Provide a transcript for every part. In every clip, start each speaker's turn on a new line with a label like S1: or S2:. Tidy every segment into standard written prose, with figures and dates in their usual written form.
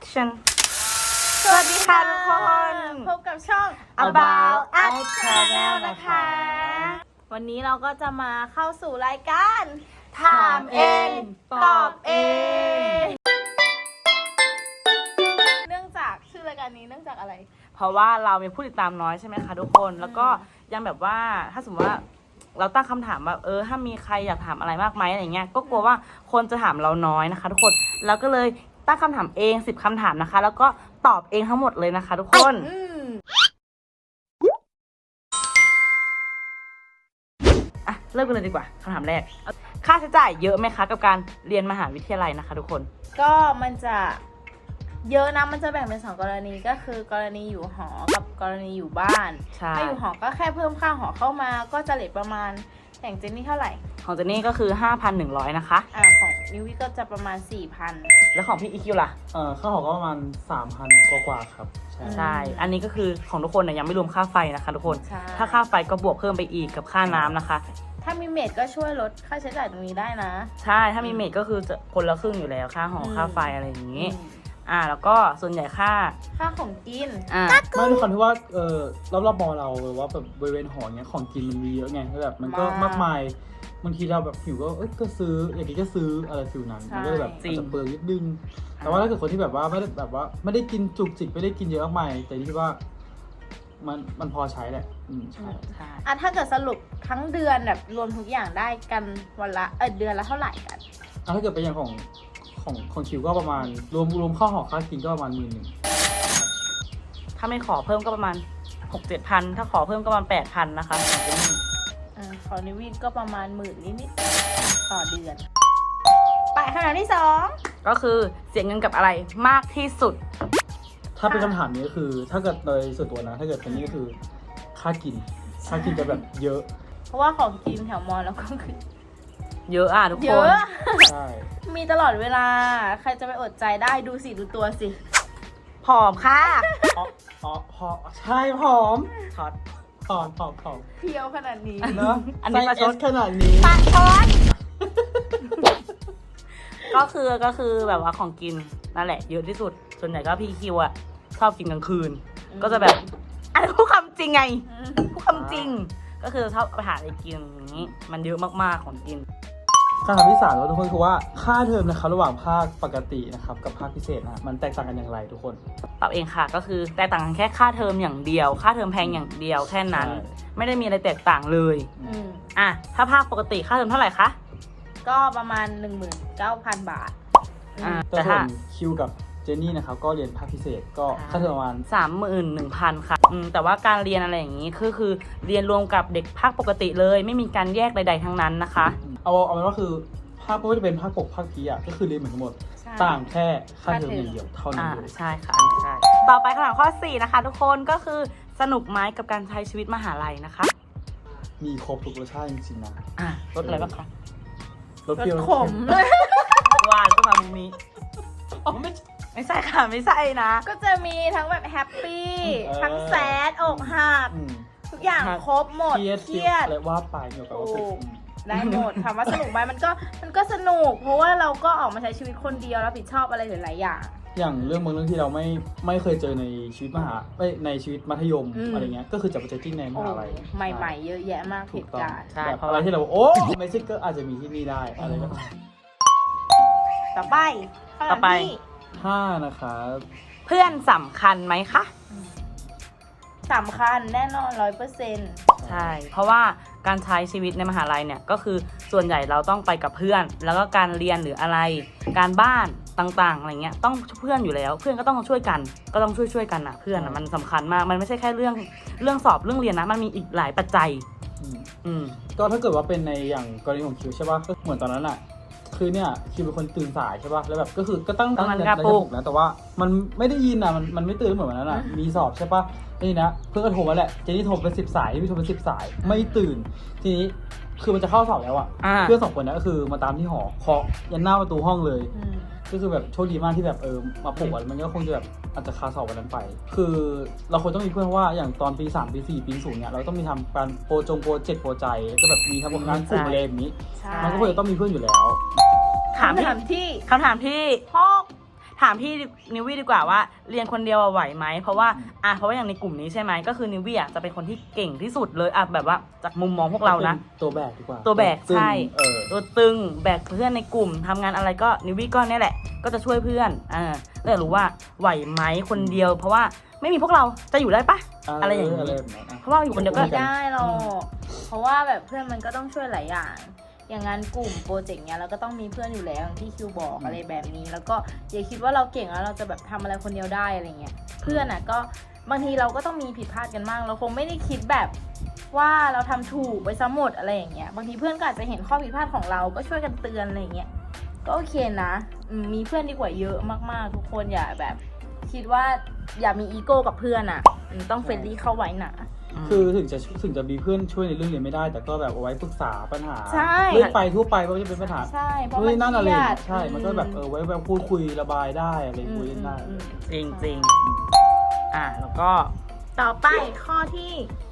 S1: action สวัสดีค่ะทุกคนพบกับช่อง About Us Channel นะคะ วันนี้เราก็จะมาเข้าสู่รายการถามเองตอบเองเนื่องจากชื่อรายการนี้เนื่องจากอะไรเพราะว่าเรามีผู้ติดตามน้อยใช่ไหมคะทุกคนแล้วก็ยังแบบว่าถ้าสมมติว่าเราตั้งคำถามแบบถ้ามีใครอยากถามอะไรมากไหมอะไรเงี้ยก็กลัวว่าคนจะถามเราน้อยนะคะทุกคนแล้วก็เลยตั้งคำถามเอง10คำถามนะคะแล้วก็ตอบเองทั้งหมดเลยนะคะทุกคนอ่ะเริ่มกันเลยดีกว่าคำถามแรกค่าใช้จ่ายเยอะไหมคะกับการเรียนมหาวิทยาลัยนะคะทุกคน
S2: ก็มันจะเยอะนะมันจะแบ่งเป็น2 กรณีก็คือกรณีอยู่หอกับกรณีอยู่บ้านถ้าอยู่หอก็แค่เพิ่มค่าหอเข้ามาก็จะเลทประมาณอย่างเจนนี่เท่าไหร่
S1: ของเจนนี่ก็คือ 5,100 นะคะ
S2: ของนิววี่ก็จะประมาณ 4,000
S1: แล้วของพี่อีคิวล่ะ
S3: ค่าหอก็ประมาณ 3,000 กว่าครับ
S1: ใช่อันนี้ก็คือของทุกคนเนี่ยยังไม่รวมค่าไฟนะคะทุกคนถ้าค่าไฟก็บวกเพิ่มไปอีกกับค่าน้ำนะคะ
S2: ถ้ามีเมดก็ช่วยลดค่าใช้จ่ายตรงนี้ได้นะ
S1: ใช่ถ้ามีเมดก็คือจะคนละครึ่งอยู่แล้วค่าหอค่าไฟอะไรอย่างนี้แล้วก็ส่วนใหญ่ค่า
S2: ของกิน
S3: ไม่ด้วยความที่ว่ารอบๆมอเราหรือว่าแบบบริเวณหอเนี้ยของกินมันมีเยอะไงแบบมันก็มากมายบางทีเราแบบหิวก็ซื้ออย่างนี้ก็ซื้ออะไรฟิลนั้นมันก็แบบจะเปลืองนิดนึงแต่ว่าถ้าเกิดคนที่แบบว่าไม่ได้กินจุกจิกไม่ได้กินเยอะมากมายแต่ที่ว่ามันพอใช้แหละใช่
S2: ถ้าเกิดสรุปทั้งเดือนแบบรวมทุกอย่างได้กันวันละเดือนละเท่าไหร่กัน
S3: ถ้าเกิดเป็นอย่างของคิวก็ประมาณรวมข้าวหอค่ากินก็ประมาณ10,000
S1: ถ้าไม่ขอเพิ่มก็ประมาณ 6-7,000 ถ้าขอเพิ่มก็ประมาณ 8,000 นะคะ
S2: ขอนิวินก็ประมาณ10,000นิดๆต่อเดือนไปคำถามที่2
S1: ก็คือเสียเงินกับอะไรมากที่สุด
S3: ถ้าเป็นคำถามนี้ก็คือถ้าเกิดโดยส่วนตัวนะถ้าเกิดเป็นนี่ก็คือค่ากินจะแบบเยอะ
S2: เพราะว่าของกินแถวมอแล้วก็คือ
S1: เยอะทุกคน
S2: เยอะ
S3: ใช่
S2: มีตลอดเวลาใครจะไปอดใจได้ดูตัวสิ
S1: ผอมค่ะ
S3: ใช่ผอม
S1: ถอด
S2: เพียวขนาดนี้
S3: เนาะ
S1: อันนี้ประชด
S3: ขนาดนี้
S1: ประชดก็คือแบบว่าของกินนั่นแหละเยอะที่สุดส่วนใหญ่ก็พี่คิวอะชอบกินกลางคืนก็จะแบบอันนี้พูดคำจริงไงพูดคำจริงก็คือชอบไปหาอะไรกินอย่างนี้มันเยอะมากๆของกิน
S3: คำถามที่3ทุกคนคือว่าค่าเทอมนะครับระหว่างภาคปกตินะครับกับภาคพิเศษนะมันแตกต่างกันอย่างไรทุกคน
S1: ตอบเองค่ะก็คือแตกต่างกันแค่ค่าเทอมอย่างเดียวค่าเทอมแพงอย่างเดียวแค่นั้นไม่ได้มีอะไรแตกต่างเลยถ้าภาคปกติค่าเทอมเท่าไหร่คะ
S2: ก็ประมาณ 19,000 บาท
S3: แต่ส่วนคิวกับเจนนี่นะครับก็เรียนภาคพิเศษก็ค่าเทอมประมาณ
S1: 31,000 ค่ะแต่ว่าการเรียนอะไรอย่างนี้คือเรียนรวมกับเด็กภาคปกติเลยไม่มีการแยกใดๆทั้งนั้นนะคะ
S3: เอาเป็นว่าคือภาคก็จะเป็นภาคปกภาคพีก็คือเรียนเหมือนกันหมดต่างแค่ค่าเทอมอย่างเดียวเท่านั้น
S1: ใช่ค่ะใช่ต่อไปคำถามข้อ4นะคะทุกคนก็คือสนุกไหมกับการใช้ชีวิตมหาลัยนะคะ
S3: มีครบทุกรสชาติจริงๆนะ
S1: รสอะไรบ้างคะ
S3: รสเปรี้ยว
S2: ขม
S1: หวานก็มามุมนี้ไม่ใช่ค่ะไม่ใช่นะ
S2: ก็จะมีทั้งแบบแฮปปี้ทั้งแซดอกหักทุกอย่างครบหมดเครียด
S3: อะไรว่าไปเกี่ยวกับ
S2: ได้หมดถามว่าสนุกไหมมันก็สนุกเพราะว่าเราก็ออกมาใช้ชีวิตคนเดียวรับผิดชอบอะไรหลายๆ
S3: อย่างเรื่องบางเรื่องที่เราไม่เคยเจอในชีวิตในชีวิตมัธยมอะไรเงี้ยก็คือจะไปเจอที่ในมหาลัย
S2: ใหม่ๆเยอะแยะมากเหตุการณ์
S3: แบบอะไรที่เราไม่ใช่ก็อาจจะมีที่นี่ได้อะไรแบบ
S2: ต่อไป
S3: 5นะครับ
S1: เพื่อนสำคัญไหมคะ
S2: สำคัญแน่นอน 100%
S1: ใช่เพราะว่าการใช้ชีวิตในมหาลัยเนี่ยก็คือส่วนใหญ่เราต้องไปกับเพื่อนแล้วก็การเรียนหรืออะไรการบ้านต่างๆอะไรเงี้ยต้องเพื่อนอยู่แล้วเพื่อนก็ต้องช่วยกันก็ต้องช่วยกันนะเพื่อนมันสำคัญมากมันไม่ใช่แค่เรื่องสอบเรื่องเรียนนะมันมีอีกหลายปัจจัย
S3: ก็ถ้าเกิดว่าเป็นในอย่างกรณีของคิวใช่ป่ะก็เหมือนตอนนั้นอะคือเนี่ยคิวเป็นคนตื่นสายใช่ป่ะแล้วแบบก็คือก็ตั้ง
S1: นาฬิ
S3: กา
S1: ปลุก
S3: นะแต่ว่ามันไม่ได้ยินอะมันไม่ตื่นเหมือนวันนั้นอะมีสอบใช่ป่ะนี่นะเพื่อนก็โทรมาแหละเจนี่โทรเป็น10 สายพี่โทรเป็น10 สายไม่ตื่นทีนี้คือมันจะเข้าสอบแล้วอะเพื่อน2 คนนั้นก็คือมาตามที่หอเคาะยันหน้าประตูห้องเลยก็คือแบบโชคดีมากที่แบบมาปลุกมันก็คงจะแบบอาจจะคาสอบวันนั้นไปคือเราควรต้องมีเพื่อนว่าอย่างตอนปี3ปี4ปี0เนี่ยเราต้องมีทำการโปรเจกต์โปรใจก็แบบมีทำงานกลุ่มอะไรแบบนี้มันก็ควรจะต้องมีเพื่อนอยู่แล้ว
S1: คำถามที่6 ถามพี่นิววี่ดีกว่าว่าเรียนคนเดียวไหวไหมเพราะว่าเพราะว่าอย่างในกลุ่มนี้ใช่ไหมก็คือนิววี่จะเป็นคนที่เก่งที่สุดเลยแบบว่าจากมุมมองพวกเรานะ
S3: ตัวแบกดีกว่า
S1: ตัวแบก
S3: ซึ่ง
S1: ใช่
S3: เออ
S1: ตัวตึงแบกเพื่อนในกลุ่มทำงานอะไรก็นิววี่ก็เนี่ยแหละก็จะช่วยเพื่อนก็อยากรู้ว่าไหวไหมคนเดียว เพราะว่าไม่มีพวกเราจะอยู่ได้ปะอะไรอย่างนี้
S3: แบบนั้น
S1: เพราะว่าอยู่คนเดียวก็
S2: ไม่ได้หรอกเพราะว่าแบบเพื่อนมันก็ต้องช่วยหลายอย่าง อย่างงานกลุ่มโปรเจกต์เนี้ยเราก็ต้องมีเพื่อนอยู่แล้วอย่างที่คิวบอกอะไรแบบนี้ แล้วก็อย่าคิดว่าเราเก่งแล้วเราจะแบบทำอะไรคนเดียวได้อะไรเงี้ย เพื่อนอ่ะก็บางทีเราก็ต้องมีผิดพลาดกันบ้างเราคงไม่ได้คิดแบบว่าเราทำถูกไปซะหมดอะไรอย่างเงี้ย บางทีเพื่อนก็อาจจะเห็นข้อผิดพลาดของเราก็ช่วยกันเตือนอะไรอย่างเงี้ย ก็โอเคนะมีเพื่อนดีกว่าเยอะมากๆทุกคนอย่าแบบ คิดว่าอย่ามีอีโก้กับเพื่อนอ่ะต้องเฟรนลี่เข้าไว้นะ
S3: คือถึงจะมีเพื่อนช่วยในเรื่องเรียนไม่ได้ แต่ก็แบบเอาไว้ปรึกษาปัญหา
S2: ใช่
S3: เรื่องไปทั่วไปว่าจะเป็นปัญหา
S2: ใช่เพราะ
S3: นู่น
S2: มัน
S3: นี่นั่นอะไร
S2: เครียด
S3: ใช่ มันก็แบบไว้แบบพูดคุยระบายได้อะไรคุยเล่นได้
S1: จริงจริงแล้วก็
S2: ต่อไปข้อที่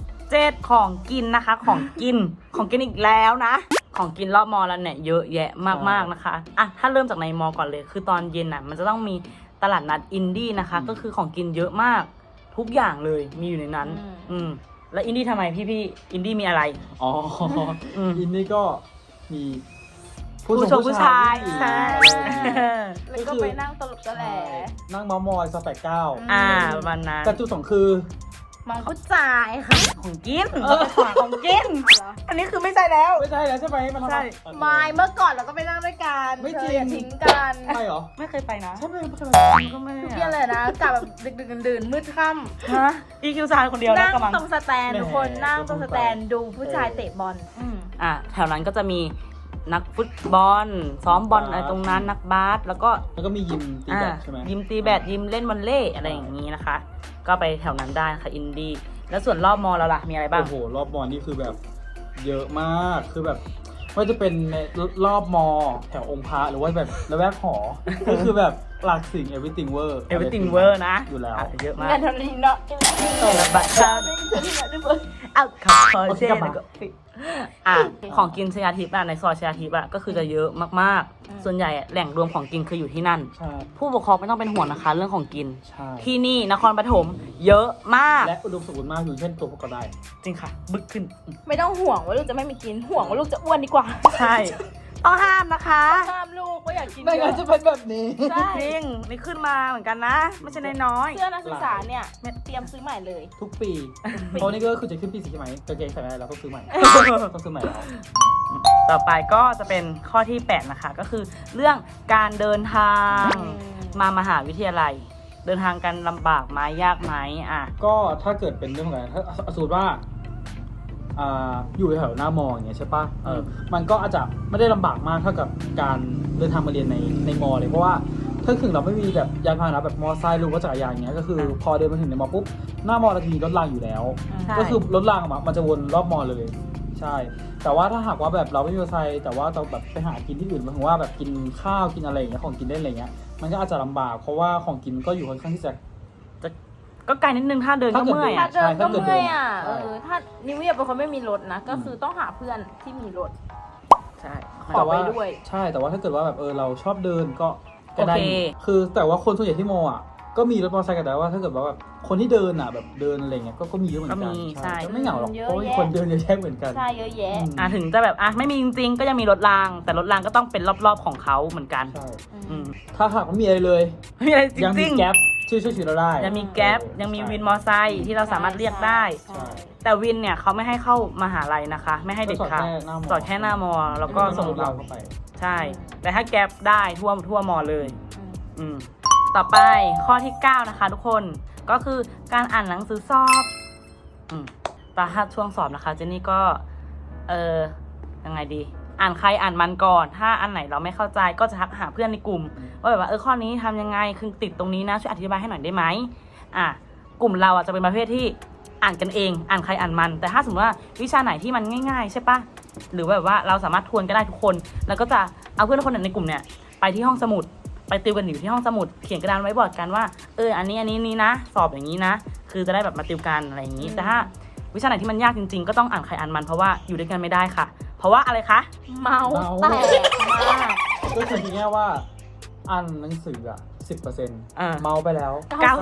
S1: 7ของกินนะคะ ของกิน ของกินอีกแล้วนะ ของกินรอบมอแล้วเนี่ยเยอะแยะมากๆนะคะถ้าเริ่มจากในมอก่อนเลย คือตอนเย็นมันจะต้องมีตลาดนัดอินดี้นะคะ ก็คือของกินเยอะมากทุกอย่างเลยมีอยู่ในนั้นแล้วอินดี้ทำไมพี่อินดี้มีอะไร
S3: อ๋ออินนี่ก็มี
S1: ผู้ชาย
S2: ใช่
S3: อะไร
S2: แล้วก็ไปนั่งตลกตะแหล
S3: นั่งเมามอยสแปกเก้า
S1: ประมาณนั้น
S3: แต่จุดสองคือ
S2: มองผู้ชายค่ะ
S1: ของกินของกิน อันนี้คือไม่ใช่แล้ว
S3: ไม่ใช่แล้วใช่ไหมมันทำ
S1: ใช่
S2: ไม่เมื่อก่อนเราก็ไปนั่งด้วยกัน
S3: ไม่จริง
S2: อย่าทิ้งกัน
S3: ไม่เหรอ
S1: ไม่เคยไปนะ
S3: ใช่ไหมไม่ใช่ไหม
S1: ก็ไม่
S2: ทุกเย็นเลยนะกลับแบบดึกๆดื่นๆมืดค่
S1: ฮะอีคิวซานคนเดียว
S2: ำ
S1: นะ
S2: นั่ง
S1: กำลัง
S2: ตรงสแตนทุกคนนั่งตรงสแตนดูผู้ชายเตะบอล
S1: แถวนั้นก็จะมีนักฟุตบอลซ้อมบอลอะไรตรงนั้นนักบาสแล้วก็
S3: แล้วก็มียิมตีแบดใช่ไหม
S1: ยิมตีแบดยิมเล่นวอลเลย์อะไรอย่างนี้นะคะ ก็ไปแถวนั้นได้ค่ะอินดี้แล้วส่วนรอบมอเราล่ะมีอะไรบ้าง
S3: โอ้โหรอบบอลนี่คือแบบเยอะมากคือแบบว่าจะเป็นในรอบมอแถวองค์พระหรือว่าแบบระแวกหอ ก็คือแบบหลักสิ่ง everything wer
S1: everything wer นะ
S3: อยู่แล้ว
S1: เยอะมาก
S2: งานทำนี้เนาะ
S1: ระบาดชาเอาขอเช่แล้วก็ของกินชยาทิพย์ในซอยชยาทิพย์ก็คือจะเยอะมากๆส่วนใหญ่แหล่งรวมของกินคืออยู่ที่นั่น
S3: ใช่
S1: ผู้ปกครองไม่ต้องเป็นห่วงนะคะ เรื่องของกิน
S3: ใช่
S1: ที่นี่นครปฐมเยอะมาก
S3: และอุดมสมบูรณ์มากอยู่เช่นตัวพวกก็ได้
S1: จริงค่ะ บึกขึ้น
S2: ไม่ต้องห่วงว่าลูกจะไม่มีกินห่วงว่าลูกจะอ้วนดีกว่า
S1: ใช่ต้องห้ามนะคะ
S2: ห้ามลูกว่าอยากกิน
S3: ไม่งั้นจะเป็นแบบนี้
S2: ใช่
S1: จริงนี่ขึ้นมาเหมือนกันนะ ไม่ใช่น้อย
S2: เสื้อนักศึกษาเนี่ยเตรียมซื้อใหม่เลย
S3: ทุกปีเพราะนี่ก็คือจะขึ้นปี4ใช่ไหมกางเกงใส่ไม่ได้แล้วต้องซื้อใหม่ ต้องซื้อใหม่แล้ว
S1: ต่อไปก็จะเป็นข้อที่ 8 นะคะ ก็คือเรื่องการเดินทางมามหาวิทยาลัย เดินทางกันลำบากไหมยากไหม
S3: ก็ถ้าเกิดเป็นเรื่องของการถ้าสมมติว่าอยู่แถวหน้ามออย่างเงี้ยใช่ปะมันก็อาจจะไม่ได้ลำบากมากเท่ากับการเดินทางมาเรียนในมอเลยเพราะว่าถ้าถึงเราไม่มีแบบยานพาหนะแบบมอไซค์หรือว่าจักรยานอย่างเงี้ยก็คือพอเดินมาถึงในมอปุ๊บหน้ามอเราจะมีรถรางอยู่แล้ว ก็คือรถรางมันจะวนรอบมอเลยใช่แต่ว่าถ้าหากว่าแบบเราไม่มีมอไซค์แต่ว่าเราแบบไปหากินที่อื่นหมายถึงว่าแบบกินข้าวกินอะไรอย่างเงี้ยของกินเล่นอะไรเงี้ยมันก็อาจจะลำบากเพราะว่าของกินก็อยู่ค่อนข้างที่จะ
S1: ก็ไกลนิดนึงถ้าเดินก็เมื่อย
S2: ถ้าเดินก็
S3: ถ้าเกิด
S2: เมื่อย
S3: ใช่
S2: ถ้านิวเวียเป็นคนไม่มีรถนะ ก็คือต้องหาเพื่อนที่มีรถ
S1: ใช่
S2: ขอไปด้วย
S3: ใช่แต่ว่าถ้าเกิดว่าแบบเราชอบเดินก็ได้
S1: โอเค
S3: คือแต่ว่าคนส่วนใหญ่ที่มอก็มีรถมอเตอร์ไซค์กันแต่ว่าถ้าเกิดว่าแบบคนที่เดินแบบเดินอะไรเงี้ยก็มีเยอะเหมือนกันก็ไม่เหงาหรอกเพราะมีคนเดินเยอะแยะเหมือนกัน
S2: ใช่เยอะแยะ
S1: ถึงจะแบบไม่มีจริงๆก็ยังมีรถราง แต่รถรางก็ต้องเป็นรอบๆของเขาเหมือนกัน
S3: ใช่
S1: อืม
S3: ถ้าหากไม่มีอะไรเลย
S1: ไม่มีอะไรจ
S3: ยังมี
S1: ริง
S3: แก๊ปช่วยชีวิตเราได้
S1: ๆยังมีแก๊ปยังมีวินมอไซค์ที่เราสามารถเรียกได้
S3: ใช่
S1: แต่วินเนี่ยเขาไม่ให้เข้ามหาลัยนะคะ ไม่ให้เด็ดขาดสอนแค่หน้ามอแล้วก็ส่งเรา
S3: เข้าไป
S1: ใช่ แต่ถ้าแก๊ปได้ทั่วมอเลยต่อไปข้อที่ 9 นะคะทุกคนก็คือการอ่านหนังสือสอบแต่ถ้าช่วงสอบนะคะเจนนี่ก็ยังไงดีอ่านใครอ่านมันก่อนถ้าอันไหนเราไม่เข้าใจก็จะทักหาเพื่อนในกลุ่มว่าแบบว่าข้อนี้ทำยังไงคือติดตรงนี้นะช่วยอธิบายให้หน่อยได้ไหมกลุ่มเราจะเป็นประเภทที่อ่านกันเองอ่านใครอ่านมันแต่ถ้าสมมติว่าวิชาไหนที่มันง่ายๆใช่ปะหรือแบบว่าเราสามารถทวนก็ได้ทุกคนแล้วก็จะเอาเพื่อนคนในกลุ่มเนี่ยไปที่ห้องสมุดไปติวกันอยู่ที่ห้องสมุดเขียนกระดานไว้บอร์ดกันว่าอันนี้นะสอบอย่างนี้นะคือจะได้แบบมาติวกันอะไรอย่างนี้แต่ถ้าวิชาไหนที่มันยากจริงๆก็ต้องอ่านใครอ่านมันเพราะว่าอยู่ด้วยกันไม่ได้ค่ะเพราะว่าอะไรคะ
S2: เมาแตกมาก
S3: ก็คือทีนี้ว่าอ่านหนังสือ 10%เมาไปแล้ว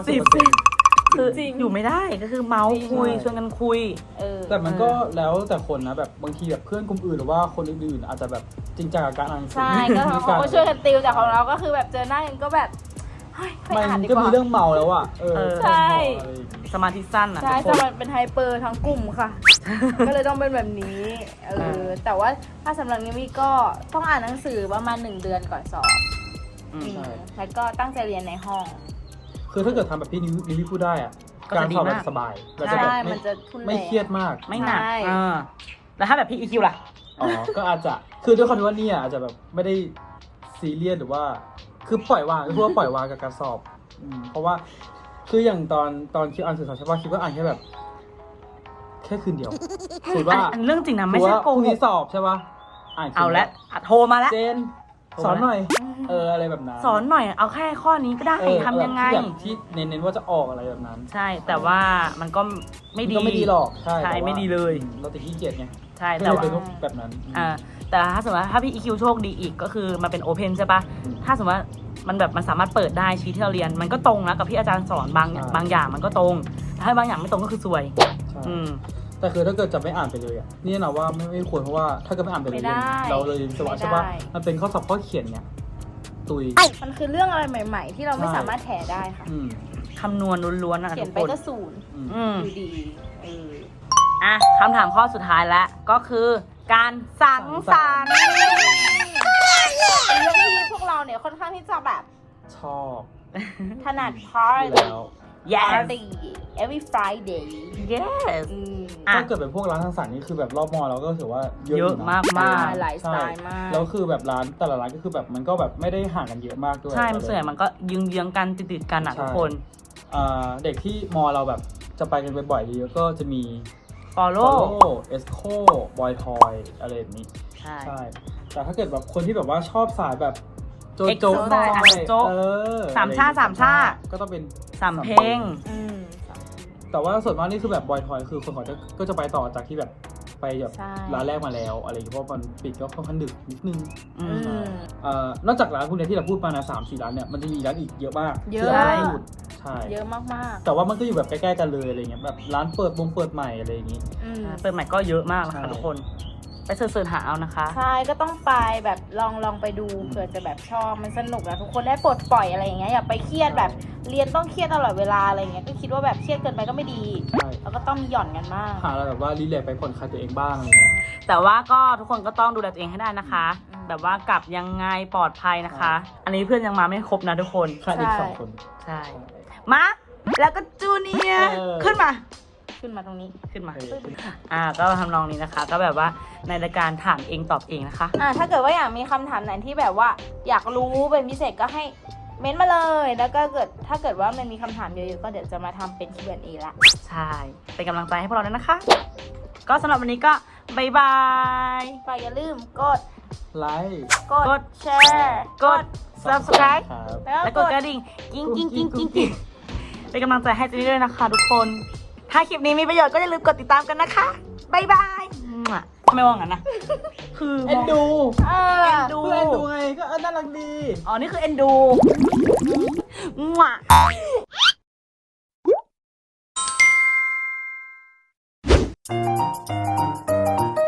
S1: 90 คืออยู่ไม่ได้ก็คือเมาส์คุยชวนกันคุย
S3: แต่มันก็แล้วแต่คนนะแบบบางทีแบบเพื่อนกลุ่มอื่นหรือว่าคนอื่นๆอาจจะแบบจริงจังกับการอ่านหนังสือ
S2: ใช่ก็เขาก็ช่วยกันติวแต่ของเราก็คือแบบเจอหน้ากันก็แบบเฮ้ยไป
S3: มั
S2: อ่าน
S3: น
S2: ดี
S3: ก็
S2: กว่า
S3: มีเรื่องเมาแล้วอ่ะ
S2: ใช่
S3: อะไรอย่างงี้
S1: สมาธิสั้นอ่ะ
S2: ใช่
S1: ทุกค
S2: จะ
S1: น
S2: มันเป็นไฮเปอร์ทั้งกลุ่มค่ะ ก็เลยต้องเป็นแบบนี้แต่ว่าถ้าสำหรับนิวี่ก็ต้องอ่านหนังสือประมาณ1 เดือนก่อนสอบ
S3: ใช่
S2: แล้วก็ตั้งใจเรียนในห้อง
S3: คือถ้าเกิดทำแบบพี่นิวี่พูดได้อ่ะ
S1: ก็
S3: การ
S1: จะดี
S3: สอบแบ
S1: มาก
S3: บสบายเราจะแบบ
S2: ใช่มันจะทุนแรง
S3: ไม่เครียดมาก
S1: ไม่หนัก
S2: ใช่
S1: แล้วถ้าแบบพี่ EQ ล่ะ
S3: อ๋อ ก็อาจจะ คือด้วยความที่ว่าเนี่ยอาจจะแบบไม่ได้ซีเรียสหรือว่า คือปล่อยวางก็คือว่าปล่อยวางกับการสอบเพราะว่า คืออย่างตอนคิดอ่านสื่อสารใช่ป่ะคิดว่าอ่านแค่แบบ แค่คืนเดียวถือว่า
S1: อันเรื่องจริงนะไม่ใช่โก
S3: พรุ่ง
S1: ห
S3: นี้
S1: ก
S3: สอบใช่ป่ะ อ่านคืน
S1: เอา
S3: ดีย
S1: ละโทรมาแล้ว
S3: เจน สอนหน่อย อะไรแบบนั้น
S1: สอนหน่อยเอาแค่ข้อนี้ก็ได้ทำยังไง
S3: แบบที่เน้นๆว่าจะออกอะไรแบบนั้น
S1: ใช่แต่ว่ามันก็ไม่ดี
S3: ก็ไม่ดีหรอก ใช่
S1: ใช่
S3: แต่ว่า
S1: ไม่ดีเลย
S3: เราติดขี้เกียจไง
S1: ใช่
S3: ก็
S1: แต่
S3: เลย
S1: ว่า
S3: เป็นแบบนั้น
S1: แต่ถ้าสมมติว่าถ้าพี่ EQ โชคดีอีกก็คือมันเป็นโอเพนใช่ปะถ้าสมมติว่ามันแบบมันสามารถเปิดได้ชี้ที่เราเรียน มันก็ตรงนะกับที่อาจารย์สอนบางอย่างมันก็ตรงแต่ถ้าบางอย่างไม่ตรงก็คือซวย
S3: ใช่
S1: อืม
S3: แต่คือถ้าเกิดจะไม่อ่านไปเลยอ่ะนี่นะว่าไม่ควรเพราะว่าถ้าเกิดไม่อ่านไปเลย
S2: ไม่ได้
S3: เราเลยวิศวะใช่ปะมันเป็นข้อสอบข้อเขียนเนี่ยตุย
S2: มันคือเรื่องอะไรใหม่ ๆ ที่เราไม่สามารถแถได้ค่ะ
S3: อืม
S1: คำนวณล้วนๆนะ
S2: เขีย
S1: ทุ
S2: น
S1: ก
S2: ไป
S1: คน
S2: ก็ศูนย์
S3: อืม
S2: อยู่ดี
S1: อ่ะคำถามข้อสุดท้ายแล้วก็คือการสังสรรค์
S2: เป็นเรื่องที่พวกเราเนี่ยค่อนข้างที่จะแบบ
S3: ชอบ
S2: ถนัด
S3: อยู่
S2: party
S3: แล้ว
S1: yes
S2: party every Friday
S1: yes
S2: อืม
S1: อ่ะ
S3: ถ้าเกิดเป็นพวกร้านทางสรรค์นี่คือแบบรอบมอเราก็ถือว่าเยอะ
S1: เย
S3: อ
S1: อะ
S3: ยู่นะ
S1: มาก
S2: ใช่หลายสไตล์มาก
S3: แล้วคือแบบร้านแต่ละร้านก็คือแบบมันก็แบบไม่ได้ห่างกันเยอะมากด้วย
S1: ใช่มันส่วนใหญ่มันก็ยืงๆกันติดๆกันอ่ะ
S3: ใช่
S1: ทุกคน
S3: เด็กที่มอเราแบบจะไปกันบ่อยๆเยอะก็จะมี
S1: follow
S3: Follow Esco Boy Toy อะไรแบบนี้
S1: ใช่
S3: ใช่ แต่ถ้าเกิดแบบคนที่แบบว่าชอบสายแบบโจโจ
S1: Exo
S3: หน่อย
S1: อ่ะโจ๊ะ สามชาติสามชาติ
S3: ก็ต้องเป็น
S1: สำเพ็ง
S2: อืม
S3: แต่ว่าส่วนมากนี่คือแบบบอยทอยคือคนเขาก็จะไปต่อจากที่แบบไปแบบ
S2: ใช่
S3: ร้านแรกมาแล้วอะไรอย่างเงี้ยเพราะมันปิดก็ค่อนข้างดึกนิดนึง
S1: อืม
S3: นอกจากร้านพวกเนี้ยที่เราพูดมานะ3-4 ร้านเนี่ยมันจะมีร้านอีกเยอะมาก
S2: เย
S3: ที่
S2: อะ
S3: เราไม่พูดใช่
S2: เยอะมาก
S3: แต่ว่ามันก็อยู่แบบใกล้ๆกันเลยอะไรเงี้ยแบบร้านเปิดใหม่อะไรอย่างงี้
S2: ๆอืม
S1: เปิดใหม่ก็เยอะมากนะ
S3: ใช่
S1: คะทุกคน ไปเสิร์ชหาเอานะคะ
S2: ใช่ก็ต้องไปแบบลองไปดูเผื่อจะแบบชอบมันสนุกนะทุกคนได้ปลดปล่อยอะไรอย่างเงี้ยอย่าไปเครียดแบบเรียนต้องเครียดตลอดเวลาอะไรเงี้ยก็คิดว่าแบบเครียดเกินไปก็ไม่ดี
S3: ใช่
S2: แล้วก็ต้องมีหย่อนกันบ้าง
S3: หาอะไรแบบว่ารีแลกซ์ไปผ่อนคลายตัวเองบ้างอะไรเงี้ย
S1: แต่ว่าก็ทุกคนก็ต้องดูแลตัวเองให้ได้นะคะ
S2: อืม
S1: แบบว่ากลับยังไงปลอดภัยนะคะ อันนี้เพื่อนยังมาไม่ครบนะทุกคน
S3: ขาดอีก
S2: ใช่
S3: 2 คน
S1: ใช่ มาแล้วก็จูเนียร์
S3: เออ
S1: ขึ้นมา
S2: ขึ้นมาตรงนี้
S1: ขึ้นมา
S3: เออ
S1: ก็ทำนองนี้นะคะ ก็แบบว่าในรายการถามเองตอบเองนะคะ
S2: ถ้าเกิดว่าอยากมีคำถามไหนที่แบบว่าอยากรู้เป็นพิเศษก็ให้เม้นต์มาเลย แล้วก็ถ้าเกิดว่ามันมีคำถามเยอะๆก็เดี๋ยวจะมาทำเป็น Q&A ละ
S1: ใช่ เป็นกำลังใจให้พวกเราด้วยนะคะ ก็สำหรับวันนี้ก็บายบาย
S2: ฝากอย่าลืมกด
S3: ไลค์
S2: กดแชร์
S1: กด subscribe
S3: ครับ
S2: แล้ว
S1: และก
S2: ก
S1: ด
S2: ด
S1: กระดิ่งกิ้งกิ้งกิ้งกิ้งกิ้งเป็นกำลังใจให้เจนนี่ด้วยนะคะทุกคน ถ้าคลิปนี้มีประโยชน์ก็อย่าลืมกดติดตามกันนะคะบายบายทำไมว่างั้นนะ คือ
S3: เอ็นดู
S2: เอ
S1: เอ็
S2: อ
S1: นดู
S3: เพื่อนดูไงก็น่ารักดี
S1: อ๋อ นี่คือเอ็นดูมั่ว